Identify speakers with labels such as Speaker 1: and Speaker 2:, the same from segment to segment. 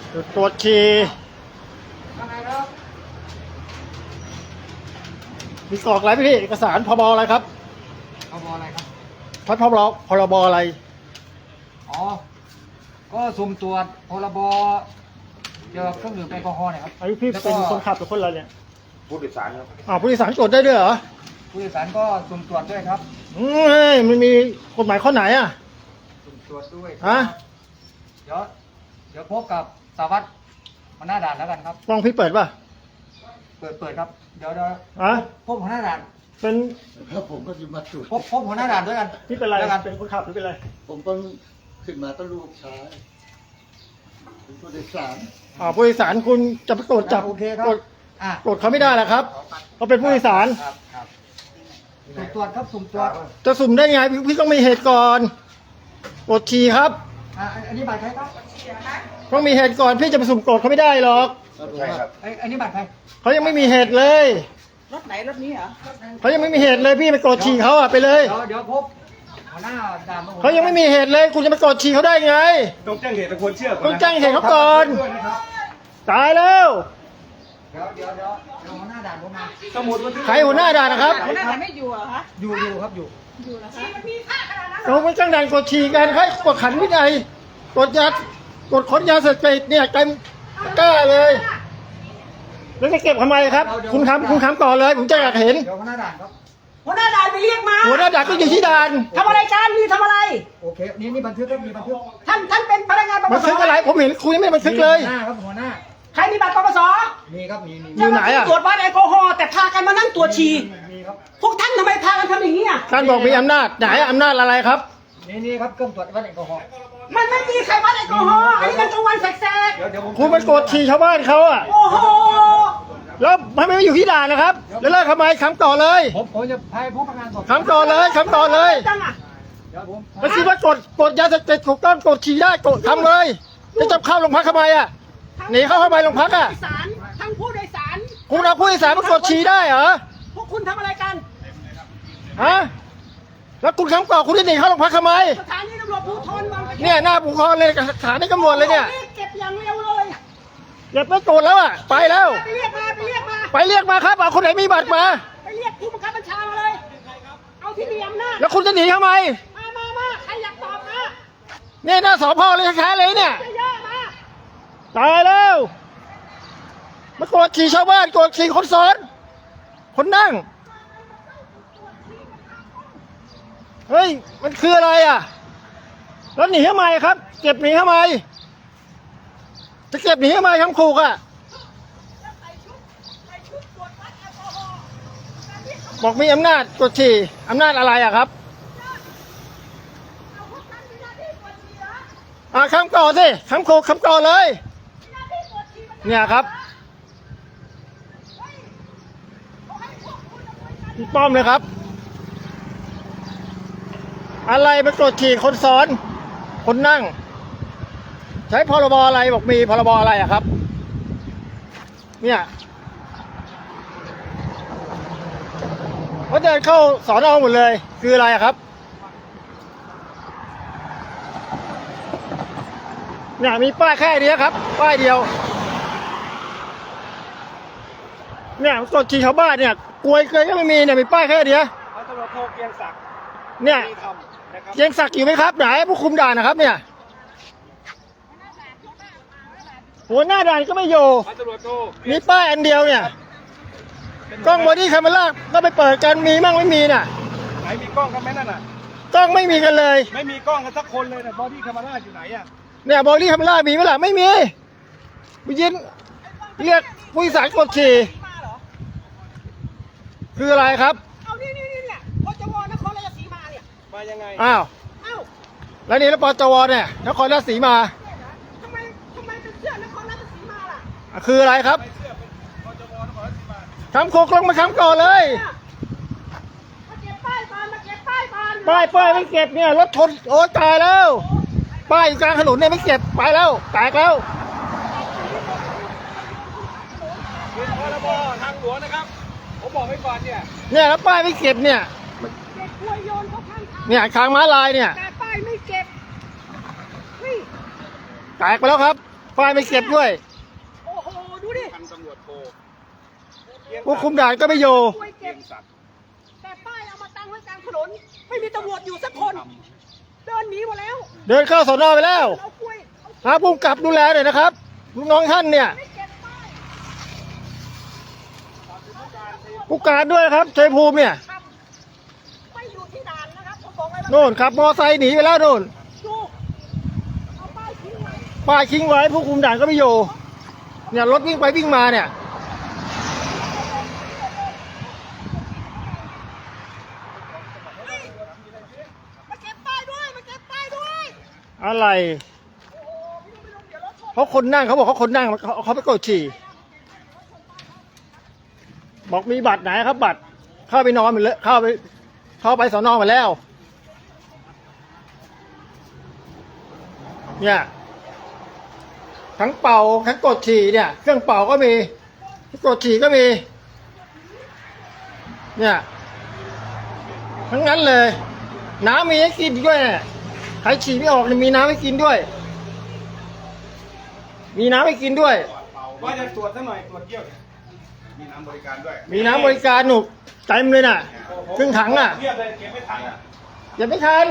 Speaker 1: จุดตรวจฉี่มีกรอกอะไรพี่เอกสารพบอะไรครับ
Speaker 2: พบอะไรครับ
Speaker 1: พรบอะไร
Speaker 2: อ๋อก็สุ่มตรวจพรบเกี่ยวกับเครื่องดื่มแอลกอฮอล์เนี่ยครับ
Speaker 1: ไอ้พี่เป็นคนขับหรือคนอะไรเนี่ย
Speaker 3: ผู้โดยสารครับ
Speaker 1: ผู้โดยสารตรวจได้ด้วยเหรอ
Speaker 2: ผู้โดยสารก็สุ่มตรวจด้วยครับ
Speaker 1: มันมีกฎหมายข้อไหนอ่ะ
Speaker 2: สุ่มตรวจด้วย
Speaker 1: ฮะ
Speaker 2: เดี๋ยวพบกับสารวัตรหัวหน้าด่านแล้วกันครับ
Speaker 1: กล้องพี่เปิดป่ะ
Speaker 2: เปิดครับเดี๋ยวพบหัวหน้าด่าน
Speaker 1: เป็น
Speaker 3: แล้วผมก็จะมาตรวจ
Speaker 2: พบหัวหน้าด่านด้วยกัน
Speaker 1: พี่เป็นอะไรเป็นคนขับหรือเป็นอะไร
Speaker 3: ผมต้องขึ้นมาต้องลูกชายเป็นผู้โดยสาร
Speaker 1: ผู้โดยสารคุณจะไปตรวจจับตรวจเขาไม่ได้หรอครับเขาเป็นผู้โดยสาร
Speaker 2: สุ่มตรวจครับสุ่มตรวจ
Speaker 1: จะสุ่มได้ไงพี่ต้องมีเหตุก่อนตรวจฉี่ครับ
Speaker 2: อันนี้บัตรใครครับ
Speaker 1: ต้องมีเหตุก่อนพี่จะไปสุ่มตรวจเขาไม่ได้หรอก
Speaker 3: ใช่ครับ
Speaker 2: อันนี้บัตรใคร
Speaker 1: เขายังไม่มีเหตุเลย
Speaker 4: รถไหนรถนี้เหรอ
Speaker 1: เขายังไม่มีเหตุเลยพี่ไปกดฉี่เขาไปเลย
Speaker 2: เดี๋ยวพบหัวหน้าด่าน
Speaker 1: เขายังไม่มีเหตุเลยคุณจะไปกดฉี่เขาได้ไง
Speaker 3: ต้องแจ้งเหตุควรเชื่อ
Speaker 1: ต้องแจ้งเหตุเขาก่อนตายแล้ว
Speaker 2: เดี๋ยวหัวหน้าด่านผมมา
Speaker 3: สมุดบันทึก
Speaker 1: ใครหัวหน้าด่านนะครับ
Speaker 4: หัวหน้าด่านไม่อยู่เหรอคะ
Speaker 2: อยู่ครับอยู่
Speaker 4: นะคะมันมีค่าขนาดนั้น
Speaker 1: เราไม่จ้างด่านกดฉี่กันให้กดขันวินัยกดค้นยาเสพติดเนี่ยกันกล้าเลยแล้วจะเก็บทำไมครับคุณทำก่อนเลยผมจะอยากเห็น
Speaker 2: หัวหน้าด่านครับ
Speaker 4: หัวหน้าด่านไปเรียกมา
Speaker 1: หัวหน้าด่านก็อยู่ที่ด่าน
Speaker 4: ทำอะไรกันนี่ทำอะไร
Speaker 2: โอเคนี่บันทึกครับมีบันทึก
Speaker 4: ท่านเป็นพนักงานปปส
Speaker 1: บันทึกอะไรผมเห็นคุยไม่บันทึกเลย
Speaker 2: หัวหน้าครับหัวหน้า
Speaker 4: ใครมีบัตรปปส
Speaker 2: มีครับมี
Speaker 1: อยู่ไหนอ่ะ
Speaker 4: ตรวจวัดแอลกอฮอล์แต่พากันมานั่งตรวจฉี่
Speaker 2: มีครับ
Speaker 4: พวกท่านทำไมพากันทำอย่างนี้อ่ะ
Speaker 1: ท่านบอกมีอำนาจไหนอำนาจอะไรครับ
Speaker 2: นี่ครับเครื่องตรวจวัดแอลกอฮอล์
Speaker 4: มันไม่มีใครวัดแอลกอฮอล์อันนี้มันกลางวันแสก
Speaker 1: ๆคุณไปกดฉี่ชาวบ้านเขาอ่ะ
Speaker 4: โอ้โห
Speaker 1: แล้วทำไมไม่อยู่ที่ด่านนะครับแล้วเลิกทำไมคำต่อเลย
Speaker 2: ผมจะให้ผู้ประกันสอบ
Speaker 1: คำต่อเลยไม่คิดว่ากดยาเสพติดถูกต้องกดฉี่ได้กดทำเลยจะจับเข้าโรงพักทำไมอ่ะหนีเข้าทำไมโรงพักอ่ะ
Speaker 4: ทั้งผู้โดยสาร
Speaker 1: คุณเอาผู้โดยสารมากดฉี่ได้เหรอ
Speaker 4: พวกคุณทำอะไรกัน
Speaker 1: ฮะแล้วคุณคำต่อคุณจะหนีเข้าโรงพักทำไม
Speaker 4: สถานีตำรวจภูธรบางปะอิน
Speaker 1: เนี่ยหน้าภูธรเลยสถานีตำรวจเลยเนี่ย
Speaker 4: เก็บอย่างเร็วเลย
Speaker 1: อย่าไปโกรธแล้วอ่ะไปแล้ว
Speaker 4: ไปเรียก
Speaker 1: มาครับเอาคนไหนมีบัตรมา
Speaker 4: ไปเรียกผู้บังคับบัญชามาเลยเอาที่มีอำนาจ
Speaker 1: แล้วคุณจะหนีทำไม
Speaker 4: มาใครอยากตอบนะ
Speaker 1: เนี่ยหน้าสพเลยแท้ๆเลยเนี่ย
Speaker 4: เยอะมา
Speaker 1: ตายแล้วมากดขี่ชาวบ้านกดขี่คนซ้อนคนนั่งเฮ้ยมันคืออะไรอ่ะแล้วหนีทำไมครับเก็บหนีทำไมจะเก็บหนีทำไมคำขู่อ่ะบอกมีอำนาจกดขี่อำนาจอะไรอ่ะครับคำก่อสิคำขู่คำก่อเลยเนี่ยครับพี่ป้อมเลยครับอะไรไปกดขี่คนซ้อนคนนั่งใช้พรบอะไรบอกมีพรบอะไรอะครับเนี่ยเขาเดินเข้าสอนอหมดเลยคืออะไรอะครับเนี่ยมีป้ายแค่เดียวครับป้ายเดียวเนี่ยกดขี่ชาวบ้านเนี่ยกลวยเคยก็ไม่มีเนี่ยมีป้ายแค่เดียว
Speaker 3: ตำรวจโทเกียงศักดิ์
Speaker 1: เนี่ยเกียงศักดิ์อยู่ไหมครับไหนผู้คุมด่านนะครับเนี่ยหัวหน้าด่านก็ไม่อยู่มีป้ายอันเดียวเนี่ยกล้องบอดี้แคมเมราก็ไปเปิดกันมีมั่งไม่มีน่ะ
Speaker 3: ไหนมีกล้องกันไหมนั่นน่ะ
Speaker 1: กล้องไม่มีกันเลย
Speaker 3: ไม่มีกล้องกันสักคนเลยนะบอดี้แคมเมราอยู่ไหนอ่ะ
Speaker 1: เนี่ยบอดี้แคมเมรามีไหมล่ะไม่มีผู้ยินเรียกผู้โดยสารกดขี่คืออะไรครับ
Speaker 4: เอานี่เนี่ยพจวนครราชสีมาเนี่ย
Speaker 3: มายังไง
Speaker 1: อ้าวแล้วนี่แล้วปจวเนี่ยนครราชสีมา
Speaker 4: ทำไมเป็นเสื้อนครราชสีมาล่ะ
Speaker 1: คืออะไรครับคำโคกลงมาคำก่อนเลย
Speaker 4: มาเก็บป้ายก่อน
Speaker 1: ป้ายไม่เก็บเนี่ยรถชนโอ้ตายแล้วป้ายอยู่กลางถนนเนี่ยไม่เก็บไปแล้วแตกแล้ว
Speaker 3: พรบทางหลวงนะครับผมบอกไว้ก่อนเนี่ย
Speaker 1: แล้วป้ายไม่เก็บเนี่ยเนี่ยทางม้าลายเนี่ย
Speaker 4: แต่ป้ายไม่เก็บ
Speaker 1: แตกไปแล้วครับป้ายไม่เก็บด้วย
Speaker 4: โอ้โห ดูดิ
Speaker 5: พันตำรวจโท
Speaker 1: ผู้คุมด่านก็ไม่อยู่
Speaker 4: ช่วยเก็บ แต่ป้ายเอามาตั้งไว้กลางถนน ไม่มีตำรวจอยู่สักคน เดินหนีหมดแล้ว
Speaker 1: เดินเข้าสอนอไปแล้ว
Speaker 4: เอากล้วยเอา
Speaker 1: หาผู้กำกับดูแลหน่อยนะครับลูกน้องท่านเนี่ย
Speaker 4: ไม่เก็บป้าย
Speaker 1: ผู้การด้วยครับชัยภูมิเนี่ย
Speaker 4: ครับไม่อยู่ที่ด่านนะครับผมบอกเลยว่า
Speaker 1: โน่นขับมอไซค์หนีไปแล้วโน่น
Speaker 4: ดูเอาป้ายทิ้งไว้
Speaker 1: ป้ายทิ้งไว้ผู้คุมด่านก็ไม่อยู่เนี่ยรถวิ่งไปวิ่งมาเนี่ย
Speaker 4: มาเก็บป้ายด้วย มาเก็บป้ายด้วย
Speaker 1: อะไร
Speaker 4: โอ้โหพี่ลุงเดี๋ยวรถชน
Speaker 1: เขาคนนั่งเขาบอกเขาคนนั่งเขาไปกดฉี่บอกมีบัตรไหนครับ บัตรเข้าไปนอนไปเลยเข้าไปสอนอมาแล้ว เนี่ยทั้งเป่าทั้งกดฉี่เนี่ยเครื่องเป่าก็มีกดฉี่ก็มี เนี่ยทั้งนั้นเลย น้ำมีให้กินด้วยเนี่ยใครฉี่ไม่ออกเนี่ยมีน้ำให้กินด้วย มีน้ำให้กินด้วย
Speaker 5: ว่าจะตรวจสักหน่อยตรวจเยี่ยวเนี่ยมีน้ำบริการด้วย
Speaker 1: มีน้ำบริการหนุกเต็มเลยน่ะครึ่งถังอ่ะ
Speaker 5: เทียบเลยเก็บไม่ทันอ่ะ
Speaker 1: อย่าไม่ทัน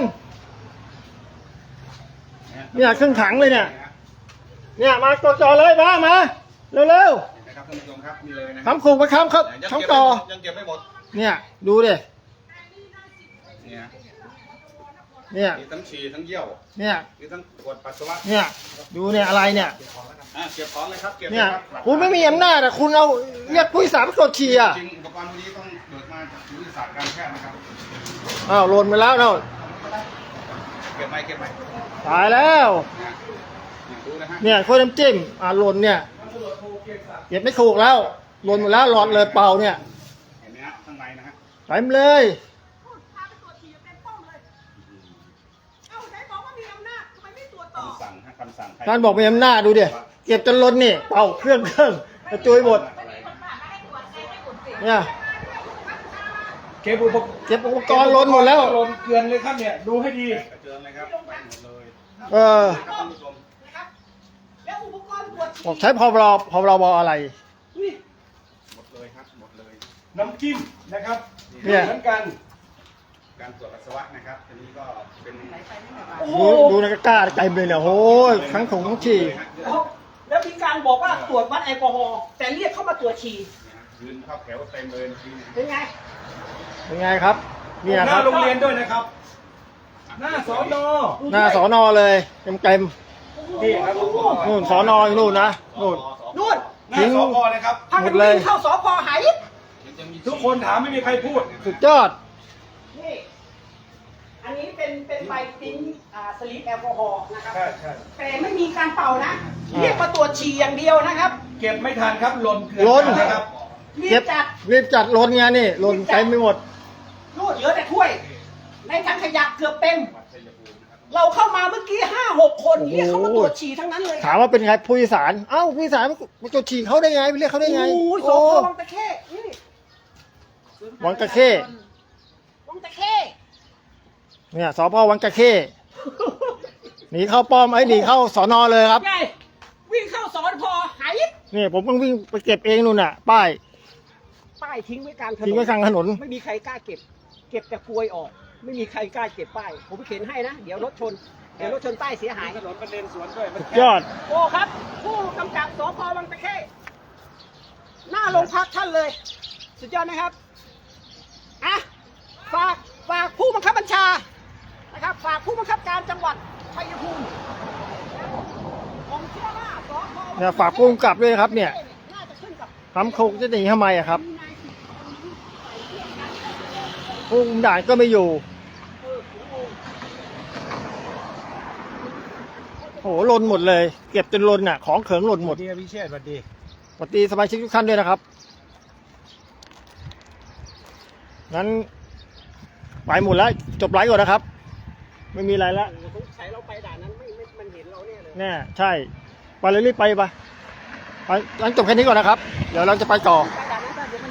Speaker 1: เนี่ยครึ่งถังเลยเนี่ย เนี่ยมากดจอเลยมาเร็ว
Speaker 5: นะครับท่านผู้ชมครับนี่เลยนะ
Speaker 1: ๆทำขู่ไปค้ำครับ
Speaker 5: ยัง
Speaker 1: ทั้งต่อ
Speaker 5: ยังเก็บไม่หมด
Speaker 1: เนี่ยดูดิ
Speaker 5: เนี่ย
Speaker 1: เนี่ย
Speaker 5: มีทั้งฉี่ทั้งเยี่ยว
Speaker 1: เนี่ย
Speaker 5: มีทั้งตรวจปัสสาวะ
Speaker 1: เนี่ยดูเนี่ยอะไรเนี่ย
Speaker 5: เก็บของเลยครับเก็บ
Speaker 1: เนี่ย
Speaker 5: ลครับ
Speaker 1: คุณไม่มีอำนาจอ่ะคุณเอาเรียกผู้โดยสารไปกดฉี่อ่ะ
Speaker 5: จริงอุปกรณ์พวกนี้ต้องเบิกมาจากวิทยาศาสตร์การแพทย์นะครับ
Speaker 1: อ้าวหล่นไปแล้วเนาะ
Speaker 5: เก็บไหมเก็บไหม
Speaker 1: ตายแล้ว
Speaker 5: เนี่ยดูนะฮะ
Speaker 1: เนี่ยโคตรน้ำจิ้มหล่นเนี่ยเก็บไม่ถูกแล้วหล่นหมดแล้วหลอดเลยเป่าเนี่ย
Speaker 5: เห็นไหมฮะข้างในนะฮะ
Speaker 1: เต็มเลย
Speaker 4: พาไปตรวจฉี่เต็มป้อมเลย เอ้าไหนบอกว่ามีอำนาจทำไมไม่ตรวจต่อ
Speaker 5: คำสั่งฮะคำสั่งใคร
Speaker 1: ท่านบอกมีอำนาจดูดิเก็บจนล้นนี่เป่าเครื่องกระจุยหมดเนี่ย
Speaker 2: เก็บอุปกรณ์
Speaker 1: เก็บอุปกรณ์ล้นหมดแล้ว
Speaker 2: ล้นเกลือนเลยครับเนี่ยดูให้ดี
Speaker 5: กระเจิงเลยครับไปหมดเลย
Speaker 1: เออ
Speaker 5: ครับท่านผู้ชม
Speaker 4: นะครับ แล้วอุปกรณ์ตรวจ
Speaker 1: บอกใช้พรบอะไร
Speaker 4: นี่
Speaker 5: หมดเลยครับหมดเลย
Speaker 2: น้ำจิ้มนะครับ
Speaker 1: เนี่ย
Speaker 2: เหมือนกัน
Speaker 5: การตรวจปัสสาวะนะครับทีนี้ก็เป็น
Speaker 4: โอ้โห
Speaker 1: ดูในกระก้าเต็มเลยเนี่ยโอ้ยทั้งถุงทั้งฉี่
Speaker 4: แล้วมีการบอกว่าตรวจวัดแอลกอฮอล์แต่เรียกเข้ามาตรวจฉี่
Speaker 5: ยืนเข้าแถวเต็มเลยทีนี้
Speaker 4: เป็นไง
Speaker 1: เป็นไงครับเนี่ย
Speaker 2: ห
Speaker 1: ค
Speaker 2: น้า
Speaker 1: รับ
Speaker 2: โรงเรียนด้วยนะครับ หน้าสอนอ
Speaker 1: หน้าสอนอเลยเต็ม
Speaker 2: นี่ครับ
Speaker 1: ๆนู่นสอนออยู่นู่นนะนู่น
Speaker 4: นู่น
Speaker 2: หน้าสพเลยครับ
Speaker 4: พากัน
Speaker 1: หมดเลย
Speaker 4: วิ่งเข้าสพหาย
Speaker 2: ทุกคนถามไม่มีใครพูด
Speaker 1: สุดยอด
Speaker 4: นี่ อันนี้เป็นใบติ้นสลิปแอลกอฮอล์นะครับ
Speaker 2: ใช่ใช่
Speaker 4: แต่ไม่มีการเป่านะ เรียกมาตรวจฉี่อย่างเดียวนะครับ
Speaker 2: เก็บไม่ทันครับหล่นเกลือน
Speaker 1: ล้น
Speaker 2: นะครับ
Speaker 4: รี
Speaker 1: เก็
Speaker 4: บบ จัด
Speaker 1: รีบจัดล้นไงนี่ล้นเต็มไปหมด
Speaker 4: นู่นเหลือแต่ถ้วย ในถังขยะเกือบเต็ม เราเข้ามาเมื่อกี้5-6 คนเรียกเขามาตรวจฉี่ทั้งนั้นเลย
Speaker 1: ถามว่าเป็นไงผู้โดยสารเอ้าผู้โดยสารมาจดฉี่เขาได้ไงไปเรียกเขาได้ไง
Speaker 4: โอ้ยส
Speaker 1: โอ้
Speaker 4: พวังตะเข้นี่
Speaker 1: วังตะเข้
Speaker 4: วังตะเข้
Speaker 1: เนี่ยสพวังตะเข้หนีเข้าป้อมหนีเข้าสอนอเลยครับ
Speaker 4: ไงวิ่งเข้าสอนพอหาย
Speaker 1: นี่ผมต้องวิ่งไปเก็บเองนู่นน่ะ ป้าย
Speaker 4: ป้ายทิ้งไว้กลางถนน
Speaker 1: ทิ้งไว้กลางถนน
Speaker 4: ไม่มีใครกล้าเก็บ เก็บแต่กลวยออก ไม่มีใครกล้าเก็บป้าย ผมเข็นให้นะ เดี๋ยวรถชน เดี๋ยวรถชนป้ายเสียหาย
Speaker 2: ถนนประเด็นสวนด้วยมัน
Speaker 1: ยอด
Speaker 4: โอ้ครับ ผู้กำกับสพวังตะเข้หน้าโรงพักท่านเลย สุดยอดนะครับอ่ะฝากผู้บังคับบัญชานะครับ ฝากผู้บังคับการจังหวัดชัยภูมิผมเชื่อว่าสพ
Speaker 1: เนี่ยฝากผู้กำกับด้วยครับเนี่ย
Speaker 4: น่าจะขึ้นกับ
Speaker 1: ทำโคกจะหนีทำไมอะครับผู้คุมด่านก็ไม่อยู่โอ้โหลนหมดเลย เก็บจนลนน่ะของเขิงหล่นหมด
Speaker 2: ดีพิเชษสวัสดี
Speaker 1: สวัสดีสมาชิกทุกท่านด้วยนะครับงั้นไปหมดแล้วจบไลฟ์ก่อนนะครับ ไม่มีอะไรแล้ว
Speaker 4: สงสัยเราไปด่านนั้นมันเห็นเราเนี่ยเลย
Speaker 1: แน่ใช่ไปเลยรีบไปงั้นจบแค่นี้ก่อนนะครับ เดี๋ยวเราจะไปต่อ
Speaker 4: ไป